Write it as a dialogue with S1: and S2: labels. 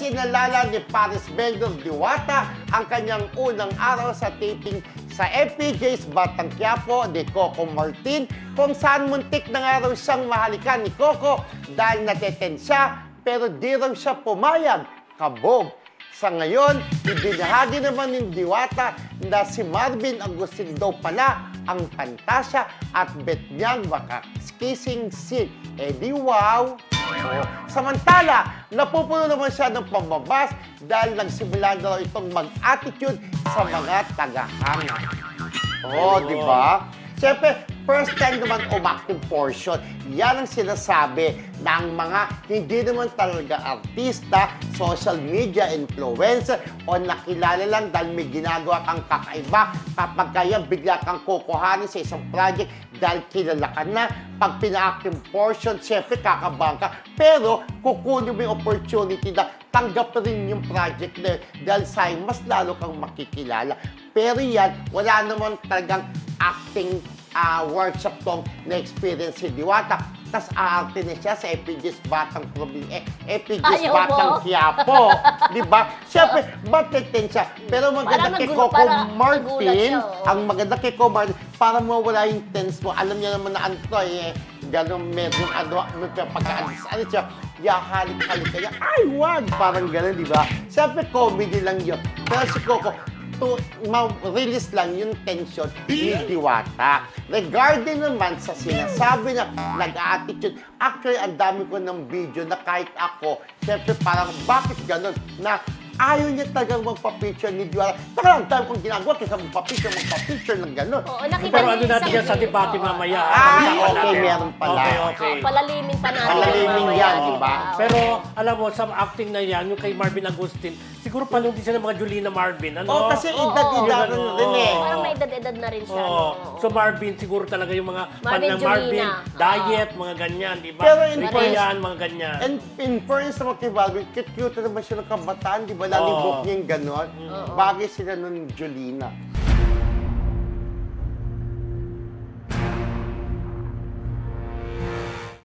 S1: Isinalala ni Paris Bendor Diwata ang kanyang unang araw sa taping sa FPJ's Batang Quiapo ni Coco Martin, kung saan muntik na nga raw siyang mahalikan ni Coco dahil nateten siya pero di raw siya pumayag. Kabog. Sa ngayon, ibinahagi naman ni Diwata na si Marvin Agustin daw pala ang pantasya at bet niyang maka-kissing scene. Eh di wow! Samantala, napupuno naman siya ng pambabas dahil nagsimula na raw itong mag-attitude sa mga tagahanga. Di ba? Siyempre, first time naman umakting portion. Yan ang sinasabi ng mga hindi naman talaga artista, social media influencer o nakilala lang dahil may ginagawa kang kakaiba kapag kaya bigla kang kukuhanin sa isang project dahil kilala ka na. Pag pina-acting portion, siyempre kakabahan ka. Pero kukunin mo yung opportunity na tanggap rin yung project na yun dahil sa'yo mas lalo kang makikilala. Pero yan, wala naman talagang acting workshop tong na-experience si Diwata. Tapos aarte na siya sa FPJ's Batang FPJ's Batang Quiapo. Di ba? Siyempre, mateten siya. Pero maganda kay Coco Martin, ang maganda kay Coco Martin, para mawala yung tense mo. Alam niya naman na gano'ng medyo pagka-alis siya, halik-halik kaya, ay, wag! Parang gano'n, di ba? Siyempre, comedy lang yun. Pero si Coco, ma-release lang yung tension ni Diwata. Regarding naman sa sinasabi na nag-attitude, actually, ang dami ko ng video na kahit ako, siyempre parang bakit gano'n na ayaw niya talagang magpa-picture ni Diwata. Taka lang, dami kong ginagawa kaysa magpa-picture ng gano'n.
S2: Oo, nakita
S3: Pero
S2: niyo
S3: ano
S2: yung
S3: natin
S2: isang
S3: yan sa debate mamaya.
S1: Okay, meron pala.
S3: Okay.
S2: palalimin pa natin.
S1: Palalimin
S2: mamaya,
S1: yan, di ba?
S3: Pero alam mo, sa acting na yan, yung kay Marvin Agustin, siguro palong din siya ng mga Julina Marvin. Ano?
S1: Kasi edad-edad rin eh.
S2: Parang may edad-edad na rin siya.
S3: Oo.
S2: no?
S3: So Marvin, siguro talaga yung mga
S2: Marvin,
S3: ng Marvin,
S2: Julina.
S3: diet, mga ganyan, di ba?
S1: Pero in
S3: Hindi
S1: fairness-
S3: yan, mga ganyan.
S1: And in fairness naman kay Marvin, cute naman siya ng kabataan, di ba? Lalibok niya yung gano'n. Bagay sila nun Jolina.